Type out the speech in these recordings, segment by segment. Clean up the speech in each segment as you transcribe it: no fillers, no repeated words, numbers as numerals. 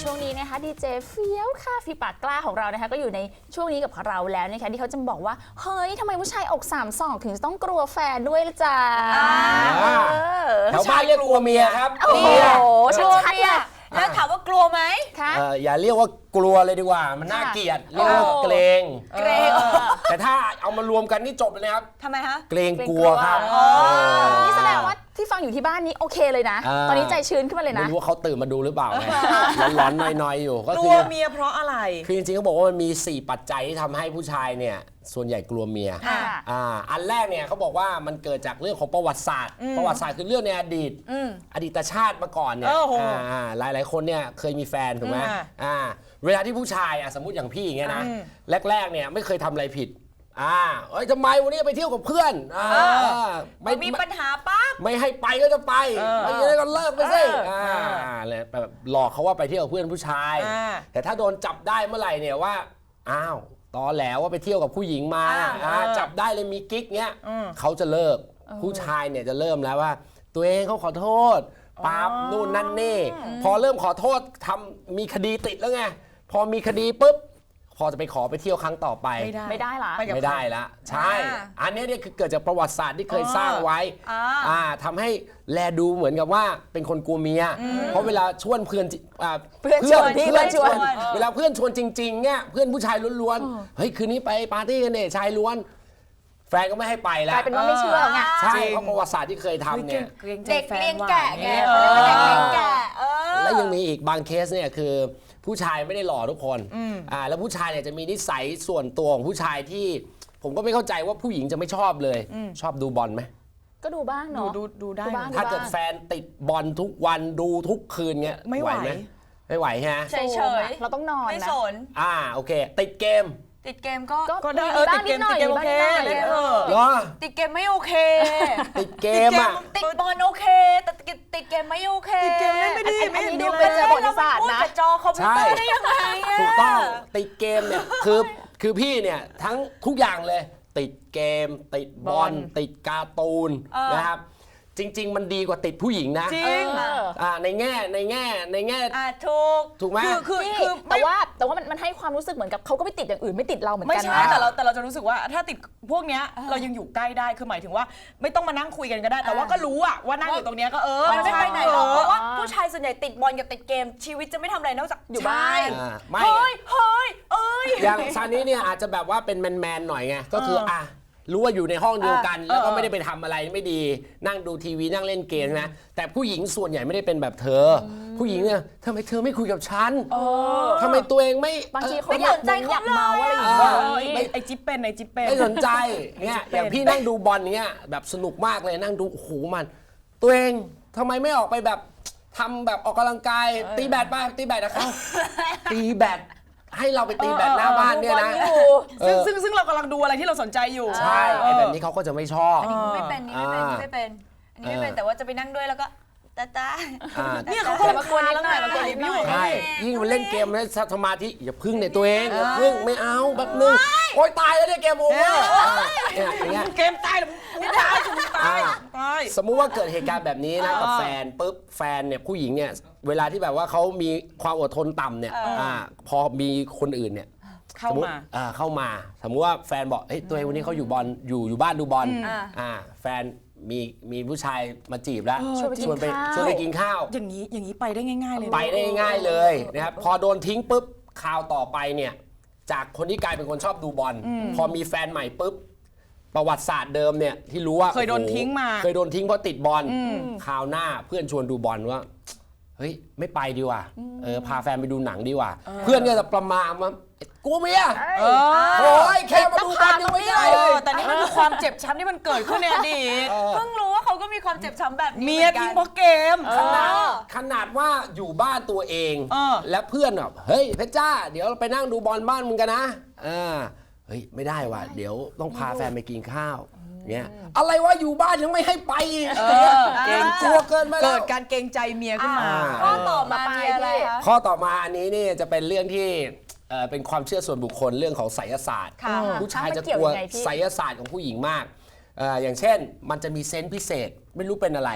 ช่วงนี้นะคะดีเจเฟี้ยวค่ะฟีปากกล้าของเรานะคะก็อยู่ในช่วงนี้กับเราแล้วนะคะที่เขาจะบอกว่าเฮ้ยทำไมผู้ชายอก3-2ถึงต้องกลัวแฟนด้วยล่ะจ๊ะแถวบ้านเรียกกลัวเมียครับโอ้โหชัดๆเลยแล้วถามว่ากลัวไหมคะอย่าเรียกว่ากลัวเลยดีกว่ามันน่าเกลียดเรียกว่าเกรงแต่ถ้าเอามารวมกันนี่จบเลยนะครับทำไมคะเกรงกลัวครับนี่แสดงว่าที่ฟังอยู่ที่บ้านนี้โอเคเลยนะตอนนี้ใจชื้นขึ้นมาเลยนะไม่รู้ว่าเขาตื่นมาดูหรือเปล่าร้อนๆน้อยๆอยู่ก็กคืลัอวเมียเพราะอะไรคือจริงๆเขาบอกว่ามันมี4ปัจจัยที่ทำให้ผู้ชายเนี่ยส่วนใหญ่กลัวเมียอันแรกเนี่ยเขาบอกว่ามันเกิดจากเรื่องของประวัติศาสตร์คือเรื่องในอดีตอดีตชาติมาก่อนเนี่ยหลายๆคนเนี่ยเคยมีแฟนถูกไหมเวลาที่ผู้ชายสมมุติอย่างพี่อย่างเงี้ยนะแรกๆเนี่ยไม่เคยทำอะไรผิดเอ้ยทำไมวันนี้ไปเที่ยวกับเพื่อนไม่มีปัญหาปั๊บไม่ให้ไปก็จะไปไม่งั้นก็เลิกไปสิเลยแบบหลอกเขาว่าไปเที่ยวกับเพื่อนผู้ชายแต่ถ้าโดนจับได้เมื่อไหร่เนี่ยว่าอ้าวตอนแล้วว่าไปเที่ยวกับผู้หญิงมาจับได้เลยมีกิ๊กเงี้ยเขาจะเลิกผู้ชายเนี่ยจะเริ่มแล้วว่าตัวเองเขาขอโทษปั๊บนู่นนั่นนี่พอเริ่มขอโทษมีคดีติดแล้วไงพอมีคดีปุ๊บพอจะไปขอไปเที่ยวครั้งต่อไปไม่ได้ละไม่ได้ละใช่อันนี้เนี่ยคือเกิดจากประวัติศาสตร์ที่เคยสร้างไว้ทำให้แลดูเหมือนกับว่าเป็นคนกลัวเมียเพราะเวลาชวนเพื่อนชวนเวลาเพื่อนชวนจริงๆเนี่ยเพื่อนผู้ชายล้วนๆเฮ้ยคืนนี้ไปปาร์ตี้กันเนี่ยชายล้วนแฟนก็ไม่ให้ไปแล้วกลายเป็นว่าไม่เชื่อไงใช่เพราะประวัติศาสตร์ที่เคยทำเนี่ยเด็กเลี้ยงแกะไงเด็กเลี้ยงแกะแล้วยังมีอีกบางเคสเนี่ยคือผู้ชายไม่ได้หล่อทุกคนแล้วผู้ชายเนี่ยจะมีนิสัยส่วนตัวของผู้ชายที่ผมก็ไม่เข้าใจว่าผู้หญิงจะไม่ชอบเลยชอบดูบอลไหมก็ดูบ้างเนาะดูได้ถ้าเกิดแฟนติดบอลทุกวันดูทุกคืนเงี้ยไม่ไหวไหมไม่ไหวฮะเฉยเราต้องนอนนะไม่สนโอเคติดเกมก็ได้ติดเกมโอเคติดเกมไม่โอเคติดเกมติดบอลโอเคแต่ติดเกมไม่โอเคติดเกมไม่ดีไม่ดูเป็นประวัติศาสตร์นะจอคอมพิวเตอร์ได้ยังไงถูกต้องติดเกมเนี่ยคือพี่เนี่ยทั้งทุกอย่างเลยติดเกมติดบอลติดการ์ตูนนะครับจริงๆมันดีกว่าติดผู้หญิงนะจริงในแง่ถูกไหมคือแต่ว่ามันให้ความรู้สึกเหมือนกับเขาก็ไม่ติดอย่างอื่นไม่ติดเราเหมือนกันนะไม่ใช่แต่เราจะรู้สึกว่าถ้าติดพวกเนี้ยเรายังอยู่ใกล้ได้คือหมายถึงว่าไม่ต้องมานั่งคุยกันก็ได้แต่ว่าก็รู้ว่านั่งอยู่ตรงเนี้ยก็มันไม่ไปไหนหรอกเพราะว่าผู้ชายส่วนใหญ่ติดบอลกับติดเกมชีวิตจะไม่ทำอะไรนอกจากอยู่บ้านเฮ้ยอย่างซานี้เนี่ยอาจจะแบบว่าเป็นแมนหน่อยไงก็คือรู้ว่าอยู่ในห้องเดียวกันแล้วก็ไม่ได้ไปทำอะไรไม่ดีนั่งดูทีวีนั่งเล่นเกมนะแต่ผู้หญิงส่วนใหญ่ไม่ได้เป็นแบบเธอผู้หญิงเนี่ยทำไมเธอไม่คุยกับฉันทำไมตัวเองไม่บางทีเขาอยากเมาอะไรอย่างเงี้ยไอจิ๊บเป็นไม่สนใจเนี่ยอย่างพี่นั่งดูบอลเนี้ยแบบสนุกมากเลยนั่งดูโอ้โหมันตัวเองทำไมไม่ออกไปแบบทำแบบออกกำลังกายตีแบดไปตีแบดนะครับตีแบดให้เราไปตีแบดหน้าบ้านเนี่ยนะซึ่งเรากำลังดูอะไรที่เราสนใจอยู่ใช่แบบนี้เขาก็จะไม่ชอบอันนี้ไม่เป็นแต่ว่าจะไปนั่งด้วยแล้วก็ตาเนี่ยเขามาควรนิดหน่อยมาควรนิดหน่อยใช่ยิ่งมันเล่นเกมแล้วสมาธิอย่าพึ่งในตัวเองอย่าพึ่งไม่เอาแบบนึงโอ๊ยตายแล้วเนี่ยเกมโอเวอร์เกมตายแล้วไม่ตายสมมุติว่าเกิดเหตุการณ์แบบนี้นะกับแฟนปุ๊บแฟนเนี่ยผู้หญิงเนี่ยเวลาที่แบบว่าเขามีความอดทนต่ำเนี่ยพอมีคนอื่นเนี่ยเข้ามาสมมุติว่าแฟนบอกเฮ้ยตัวเองวันนี้เขาอยู่บอลอยู่บ้านดูบอลแฟนมีผู้ชายมาจีบแล้วชวนไปกินข้าวอย่างนี้ไปได้ง่ายๆเลยไปได้ง่ายเลยนะครับพอโดนทิ้งปุ๊บข่าวต่อไปเนี่ยจากคนที่กลายเป็นคนชอบดูบอลพอมีแฟนใหม่ปุ๊บประวัติศาสตร์เดิมเนี่ยที่รู้ว่าเคยโดนทิ้งเพราะติดบอลข่าวหน้าเพื่อนชวนดูบอลว่าเฮ้ยไม่ไปดีกว่าพาแฟนไปดูหนังดีกว่าเพื่อนก็จะประมาณว่ากูเมียโอ้ยแค่มาดูบอลยังไม่ได้เลยแต่นี่มันคือความเจ็บช้ำที่มันเกิดขึ้นในอดีตเพิ่งรู้ว่าเขาก็มีความเจ็บช้ำแบบนี้เมียทิ้งเพราะเกมขนาดว่าอยู่บ้านตัวเองและเพื่อนแบบเฮ้ยเพชรจ้าเดี๋ยวเราไปนั่งดูบอลบ้านมึงกันนะเฮ้ยไม่ได้ว่ะเดี๋ยวต้องพาแฟนไปกินข้าวเนี่ยอะไรวะอยู่บ้านยังไม่ให้ไปเกรงกลัวเกินไปแล้วเกิดการเกรงใจเมียขึ้นมาข้อต่อมาอะไรคะข้อต่อมาอันนี้นี่จะเป็นเรื่องที่เป็นความเชื่อส่วนบุคคลเรื่องของไสยศาสตร์ผู้ชายจะกลัวไสยศาสตร์ของผู้หญิงมากอย่างเช่นมันจะมีเซนส์พิเศษไม่รู้เป็นอะไร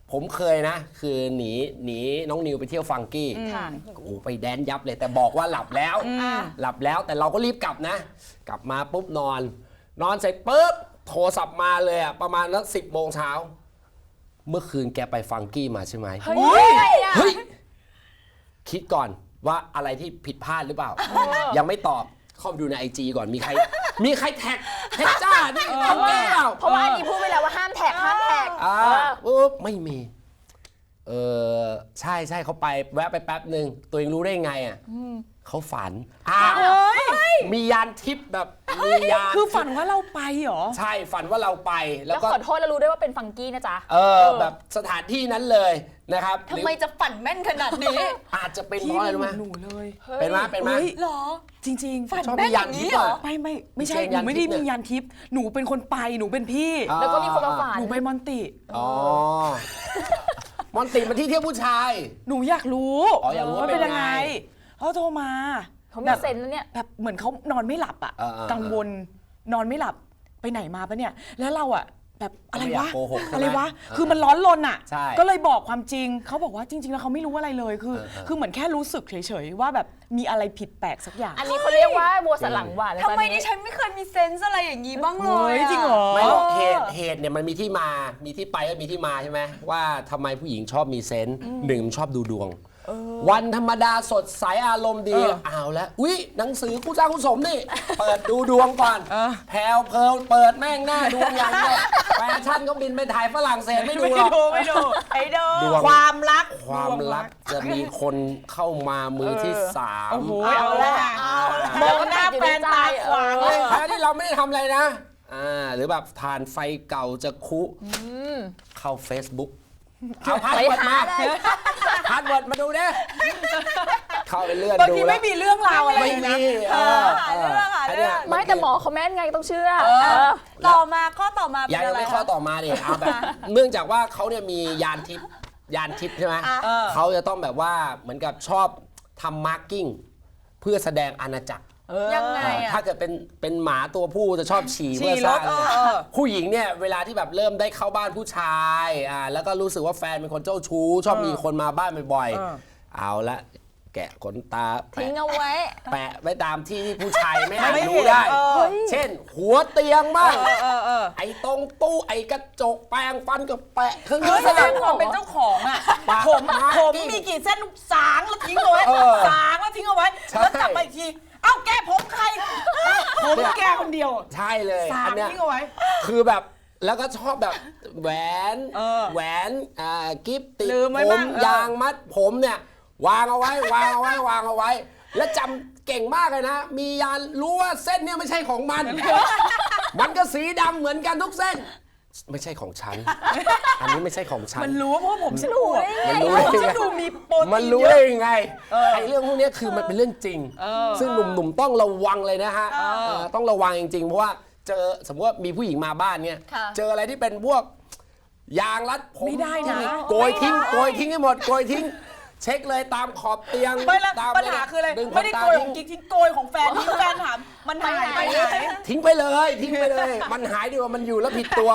ผมเคยนะ คือหนีน้องนิวไปเที่ยวฟังกี้ค่ะโอ้โหไปแดนยับเลยแต่บอกว่าหลับแล้ว หลับแล้วแต่เราก็รีบกลับนะ กลับมาปุ๊บนอนเสร็จปุ๊บโทรศัพท์มาเลยอะประมาณนัก10 โมงเช้าเมื่อคืนแกไปฟังกี้มาใช่ไหมเฮ้ยอะไรอ่ะเฮ้ยคิดก่อนว่าอะไรที่ผิดพลาดหรือเปล่า ยังไม่ตอบเข้าไปดูใน IG ก่อนมีใครแท็กจ้านี่ทำแกเปล่าเพราะว่าอันนี้พูดไปแล้วว่าห้ามแท็กห้ามแท็กปุ๊บไม่มีใช่เขาไปแวะไปแป๊บหนึ่งตัวเองรู้ได้ไงอ่ะเขาฝันมียานทิพย์แบบมียานคือฝันว่าเราไปเหรอใช่ฝันว่าเราไปแล้วแล้วก็ขอโทษแล้วรู้ด้วยว่าเป็นฟังกี้นะจ๊ะแบบสถานที่นั้นเลยนะครับทำไมจะฝันแม่นขนาดนี้อาจจะเป็นเพราะอะไรรู้ไหมหนูเลยเป็นไหมเฮ้ยหรอจริงๆฝันชอบแม่มีนยาอน ย่างทิพนี้ย์เหรออ่ะไม่ใช่ไม่ใช่หนูไม่ได้ยานทิพย์มียานทิพย์หนูเป็นคนไปหนูเป็นพี่แล้วก็มีคนมาฝันหนูไปมอนติอ๋อมอนติมันที่เที่ยวผู้ชายหนูอยากรู้อ๋ออยากรู้ว่าเป็นยังเป็นไงไงเขาโทรมาเขามีเซนส์นะเนี่ยแบบเหมือนเขานอนไม่หลับอ่ะ กังวลนอนไม่หลับไปไหนมาปะเนี่ยแล้วเราอ่ะแบบอะไรไม่อยาวะกโกหกใช่ไหมอะไรวะคือมันร้อนรนอ่ะใช่ก็เลยบอกความจริงเขาบอกว่าจริง ๆ แล้วเขาไม่รู้อะไรเลยคือเหมือนแค่รู้สึกเฉยๆว่าแบบมีอะไรผิดแปลกสักอย่างอันนี้เขาเรียกว่าบัวสันหลังหวานนะทำจ๊ะไมนี่ดิฉันไม่เคยมีเซนส์อะไรอย่างนี้บ้างเลเฮ้ยยจริงเหรอไม่หรอกเหตุเนี่ยมันมีที่มา มีที่ไปก็มีที่มาใช่ไหมว่าทำไมผู้หญิงชอบมีเซนส์หนึ่งชอบดูดวง วันธรรมดาสดใสอารมณ์ดีเอาแล้วอุ๊ยหนังสือคู่สร้างคู่สมนี่ เปิดดูดวงก่อนแพลวเพลิเปิดแม่งหน้าดวงอย่างเดียวแฟชั่นก็บินไปถ่ายฝรั่งเศสไม่ดูหรอกไม่ดูไอ้ดูดวงความรักความรักจะมีคนเข้ามามือที่สามโอ้โหเอาละมองหน้าแฟนตาขวางเลยแท้ที่เราไม่ได้ทำอะไรนะหรือแบบทานไฟเก่าจะคุเข้า Facebook เอาพาสไปเวิร์ดหามาเลยพาสเวิร์ดมาดูดิเข้าไปเลื่อนบางดูทีแล้วไม่มีเรื่องราวอะไรไม่นะมีหาเรื่องหาเรื่องไม่แต่หมอเขาแม่นไงต้องเชื่อต่อมาข้อต่อมาเป็ยันงอะไรไม่ข้อคะต่อมาดิเอาแบบเนื่องจากว่าเขาเนี่ยมียานทิพย์ใช่ไหมเขาจะต้องแบบว่าเหมือนกับชอบทำมาร์กิ้งเพื่อแสดงอาณาจักรยังไงอะถ้าเกิดเป็นหมาตัวผู้จะชอบฉี่ฉี่เพื่อสร้างรถผู้หญิงเนี่ยเวลาที่แบบเริ่มได้เข้าบ้านผู้ชายแล้วก็รู้สึกว่าแฟนเป็นคนเจ้าชู้ชอบมีคนมาบ้านบ่อยๆเอาละแกะขนตาทิ้งเอาไว้แปะไว้ตามที่ที่ผู้ชายไม่อาจไม่รู้เห็นได้เฮ้ยเช่น หัวเตียงบ้างอไอ้ตรงตู้ไอ้กระจกแปรงฟันก็แปะเครื่องเฮ้ยสแสดร้างงความเป็นเจ้าของอ่ะปะผมมาร์ผมกิ้งมีกี่เส้นสางแล้วทิ้งเอาไว้ สางแล้วทิ้งเอาไว้ใช่แล้วกลับมาอีกที เอ้าแกผมใคร ผมแกคนเดียวใช่เลยสาอังนเนี้ยทิ้งเอาไว้คือแบบแล้วก็ชอบแบบแหวน แหวน กิฟติดลืมไว้ผบ้าม งยางมัดผมเนี่ยวางเอาไว้ วางเอาไว้ วางเอาไว้ แล้วจำเก่งมากเลยนะ มียานรู้ว่าเส้นเนี่ยไม่ใช่ของมัน มันก็สีดำเหมือนกันทุกเส้น ไม่ใช่ของฉัน อันนี้ไม่ใช่ของฉันมันรู้เพราะว่าผมฉันอวบมันรู้ผมได้ฉันไงดูมีโปรตีนมันรู้เยได้อะยังไงไอ้เรื่องพวกเนี้ยคือมันเป็นเรื่องจริง ซึ่งหนุ่มๆต้องระวังเลยนะฮะต้องระวังจริงๆ เพราะว่าเจอสมมติว่ามีผู้หญิงมาบ้านเนี่ยค่ะเจออะไรที่เป็นพวกยางรัดผมไม่ได้นะโกยทิ้งให้หมดโกยทิ้ง เช็คเลยตามขอบเตียงไม่แล้วตามปัญหาคืออะไรดึงขไม่นได้ตาโกยขทิ้อง งกิ๊กทิ้งโกยของแฟนทิ้งแฟนถามมันหายไปไหนทิ้งไปเลยมันหายดีกว่ามันอยู่แล้วผิดตัว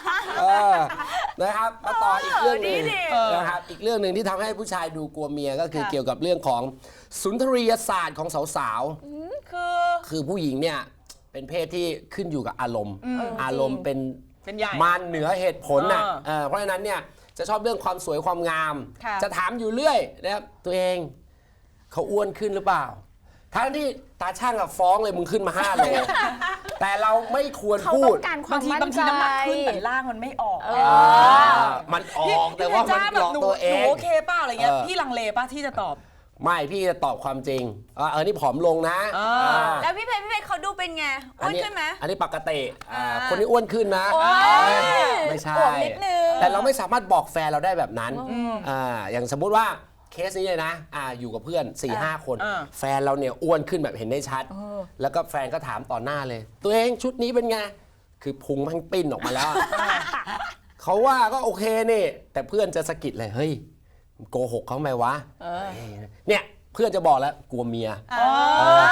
นะครับมาต่ออีกเรื่องหนึงนะครับอีกเรื่องหนึ่งที่ทำให้ผู้ชายดูกลัวเมียก็คือเกี่ยวกับเรื่องของสุนทรียศาสตร์ของสาวๆคือผู้หญิงเนี่ยเป็นเพศที่ขึ้นอยู่กับอารมณ์ อารมณ์เป็นเป็นใหญ่มารเหนือเหตุผลน่ะเพราะฉะนั้นเนี่ยจะชอบเรื่องความสวยความงามค่ะจะถามอยู่เรื่อยนะครับตัวเองเขาอ้วนขึ้นหรือเปล่า ทั้งที่ตาช่างกับฟ้องเลยมึงขึ้นมา5 โล แต่เราไม่ควรเขาพูต้อดงการควาบาม งทีมั่นบางใจทีน้ำหนักขึ้นแต่ร่างมันไม่ออกมันออกแต่ว่ามันหลอกตัวเอหนูงโอเคเปล่าอะไรเงี้ยเออพี่ลังเลป่ะที่จะตอบไม่พี่จะตอบความจริงนี่ผอมลงนะแล้วพี่เพชรเขาดูเป็นไงอ้วนขึ้นไหมอันนี้ปกติคนนี้อ้วนขึ้นนะโอ๊ยไม่ใช่อวบนิดนึงแต่เราไม่สามารถบอกแฟนเราได้แบบนั้นอย่างสมมุติว่าเคสนี้เลยนะอยู่กับเพื่อน 4-5 คน แฟนเราเนี่ยอ้วนขึ้นแบบเห็นได้ชัด แล้วก็แฟนก็ถามต่อหน้าเลย ตัวเองชุดนี้เป็นไง คือพุงมันปิ้นออกมาแล้ว เขาว่าก็โอเคนี่ แต่เพื่อนจะสะกิดเลยเฮ้ยโกหกเขาไหมวะเนี่ยเพื่อนจะบอกแล้วกลัวเมียไม่กล้า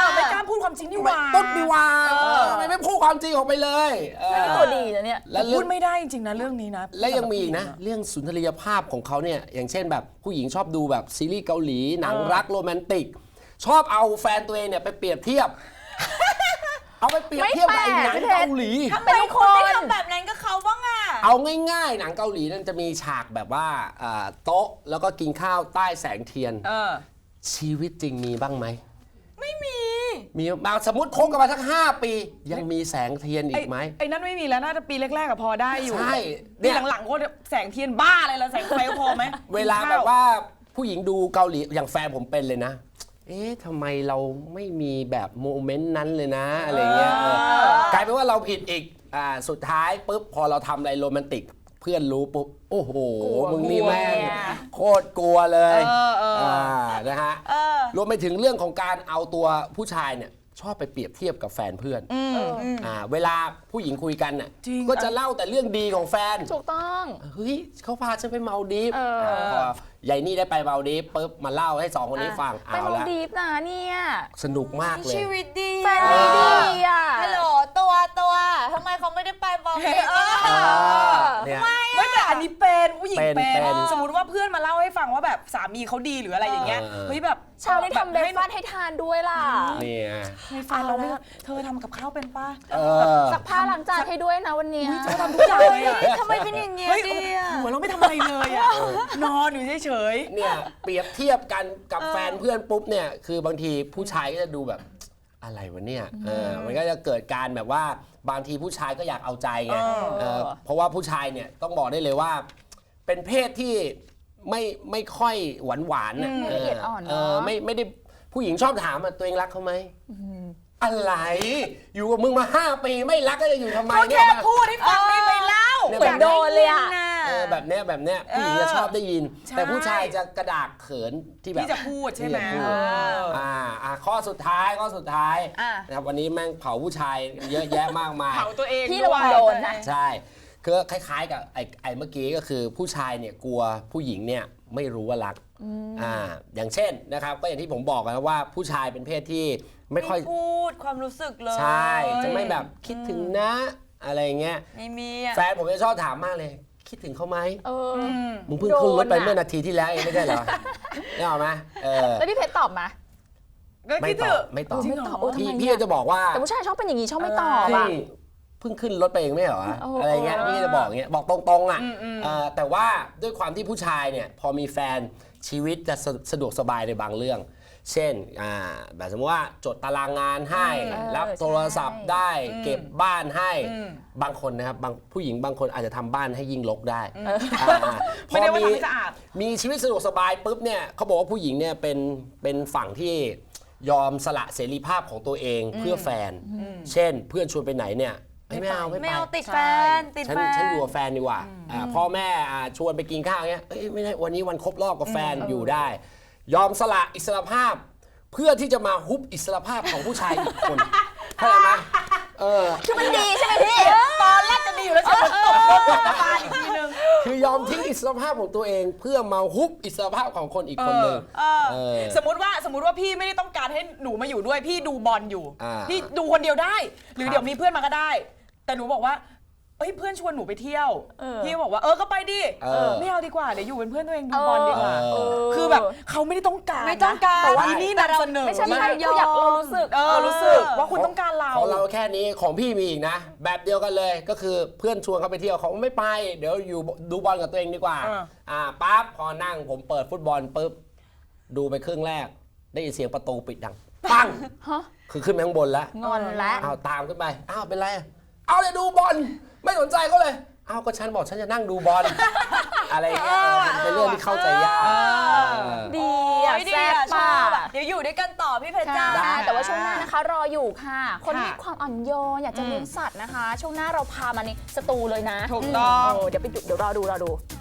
พูดความจริงดีกว่าต้นดีว่าทำไมไม่พูดความจริงออกไปเลยนี่ตัวดีนะเนี่ยแล้วพูดไม่ได้จริงๆนะเรื่องนี้นะและยังมีอีกนะเรื่องสุนทรียภาพของเขาเนี่ยอย่างเช่นแบบผู้หญิงชอบดูแบบซีรีส์เกาหลีหนังรักโรแมนติกชอบเอาแฟนตัวเองเนี่ยไปเปรียบเทียบ เอาไปเปรียบเทียบกับไอ้หนังเกาหลีทำไมคนไม่ทำแบบนั้นกับเขาบ้างอ่ะเอาง่ายๆหนังเกาหลีนั่นจะมีฉากแบบว่าโต๊ะแล้วก็กินข้าวใต้แสงเทียนชีวิตจริงมีบ้างไหมไม่มีบางสมมติคบกันมาสัก5 ปียังมีแสงเทียนอีกไหมไอ้นั่นไม่มีแล้วน่าจะปีแรกๆกับพอได้อยู่ใช่ปีหลังๆก็แสงเทียนบ้าอะไรละแสงไฟพอไหมเวลาแบบว่าผู้หญิงดูเกาหลีอย่างแฟนผมเป็นเลยนะเอ๊ะทำไมเราไม่มีแบบโมเมนต์นั้นเลยนะอะไรเงี้ยกลายเป็นว่าเราผิดอีกสุดท้ายปุ๊บพอเราทำอะไรโรแมนติกเพื่อนรู้ปุ๊บโอ้โหมึงนี่แม่งโคตรกลัวเลยนะฮะรวมไปถึงเรื่องของการเอาตัวผู้ชายเนี่ยชอบไปเปรียบเทียบกับแฟนเพื่อนเวลาผู้หญิงคุยกันน่ะก็จะเล่าแต่เรื่องดีของแฟนถูกต้องเฮ้ยเขาพาฉันไปเมาดีฟพอยายนี่ได้ไปเมาดีฟปุ๊บมาเล่าให้2 คนนี้ฟังไปเมาดีฟนะเนี่ยสนุกมากเลยชีวิตดีแฟนดีอ่ะฮัลโหลตัวทำไมเขาไม่ได้ไปเมาดีฟเนี่ยไม่แต่อันนี้เป็นผู้หญิงเป็นสมมติว่าเพื่อนมาเล่าให้ฟังว่าแบบสามีเขาดีหรืออะไรอย่างเงี้ยเฮ้ยแบบเช้าได้ทำเบรกฟาสต์ให้ทานด้วยล่ะนี่ให้ฟังเราไม่เธอทำกับข้าวเป็นป้าซักผ้าล้างจานให้ด้วยนะวันนี้เธอทำทุกอย่างเลยทำไมเป็นอย่างเงี้ยดีอ่ะหัวเราไม่ทำอะไรเลยอ่ะนอนอยู่เฉยๆเนี่ยเปรียบเทียบกันกับแฟนเพื่อนปุ๊บเนี่ยคือบางทีผู้ชายก็จะดูแบบอะไรวะเนี่ยมันก็จะเกิดการแบบว่าบางทีผู้ชายก็อยากเอาใจไงเพราะว่าผู้ชายเนี่ยต้องบอกได้เลยว่าเป็นเพศที่ไม่ค่อยหวานๆละเอียดอ่อนไม่ได้ผู้หญิงชอบถามตัวเองรักเขาไหมอะไรอยู่กับมึงมา5 ปีไม่รักก็จะอยู่ทำไมเนี่ยแค่พูดให้ฟังไม่เล่าเหมือนโดนเลยอ่ะแบบเนี้ยผู้หญิงจะชอบได้ยินแต่ผู้ชายจะกระดากเขินที่แบบที่จะพูดใช่ไหมข้อสุดท้ายนะครับวันนี้แม่งเผาผู้ชายเยอะแยะมากมายเผาตัวเองพี่ระวังโดนนะใช่คือคล้ายๆกับไอ้เมื่อกี้ก็คือผู้ชายเนี่ยกลัวผู้หญิงเนี่ยไม่รู้ว่ารักอย่างเช่นนะครับก็อย่างที่ผมบอกนะว่าผู้ชายเป็นเพศที่ไม่ค่อยพูดความรู้สึกเลยใช่จะไม่แบบคิดถึงนะอะไรเงี้ยไม่มีแฟนผมจะชอบถามมากเลยคิดถึงเขาไหมมึงเพิ่งขึ้นรถไปเมื่อนาทีที่แล้วเองไม่ใช่เหรอได้หรอไหมแล้วพี่เพชรตอบไหมไม่ตอบพี่จะบอกว่าแต่ผู้ชายชอบเป็นอย่างนี้ชอบไม่ตอบอ่ะเพิ่งขึ้นรถไปเองไม่เหรออะไรเงี้ยพี่จะบอกเงี้ยบอกตรงๆอ่ะแต่ว่าด้วยความที่ผู้ชายเนี่ยพอมีแฟนชีวิตจะสะดวกสบายในบางเรื่องเช่นแบบสมมติว่าจดตารางงานให้รับโทรศัพท์ได้เก็บบ้านให้บางคนนะครับบางผู้หญิงบางคนอาจจะทำบ้านให้ยิ่งรกได้พอมีชีวิตสะดวกสบายปุ๊บเนี่ยเขาบอกว่าผู้หญิงเนี่ยเป็นฝั่งที่ยอมสละเสรีภาพของตัวเองเพื่อแฟนเช่นเพื่อนชวนไปไหนเนี่ยไม่เอาติดแฟนฉันอยู่กับแฟนดีกว่าพ่อแม่ชวนไปกินข้าวเงี้ยไม่ได้วันนี้วันครบรอบกับแฟนอยู่ได้ยอมสละอิสรภาพเพื่อที่จะมาฮุบอิสรภาพของผู้ชายอีกคนเข้าใจไหมคือมันดีใช่ไหมพี่ตอนแรกจะดีอยู่แล้วฉันตกตาอีกทีนึงคือยอมทิ้งอิสรภาพของตัวเองเพื่อมาฮุบอิสรภาพของคนอีกคนหนึ่งสมมติว่าพี่ไม่ได้ต้องการให้หนูมาอยู่ด้วยพี่ดูบอลอยู่พี่ดูคนเดียวได้หรือเดี๋ยวมีเพื่อนมาก็ได้แต่หนูบอกว่าเพื่อนชวนหนูไปเที่ยวพี่บอกว่าก็ไปดิไม่เอาดีกว่าเดี๋ยวอยู่เป็นเพื่อนตัวเองดูบอลดีกว่าคือแบบเขาไม่ได้ต้องการแต่ว่านี่นำเสนอไม่ใช่อยากรู้สึกว่าคุณต้องการเราของเราแค่นี้ของพี่มีอีกนะแบบเดียวกันเลยก็คือเพื่อนชวนเขาไปเที่ยวเขาไม่ไปเดี๋ยวอยู่ดูบอลกับตัวเองดีกว่าปั๊บพอนั่งผมเปิดฟุตบอลปุ๊บดูไปครึ่งแรกได้ยินเสียงประตูปิดดังปังคือขึ้นไปข้างบนแล้วงอนแล้วตามขึ้นไปเป็นไรเอาเลยดูบอลไม่สนใจเขาเลยก็ฉันบอกฉันจะนั่งดูบอลอะไรเงี้ยเป็นเรื่องที่เข้าใจยากดีแซ่บมากเดี๋ยวอยู่ด้วยกันต่อพี่เพชรจ้าแต่ว่าช่วงหน้านะคะรออยู่ค่ะคนมีความอ่อนโยนอยากจะเลี้ยงสัตว์นะคะช่วงหน้าเราพามาในสตูเลยนะถูกต้องเดี๋ยวรอดู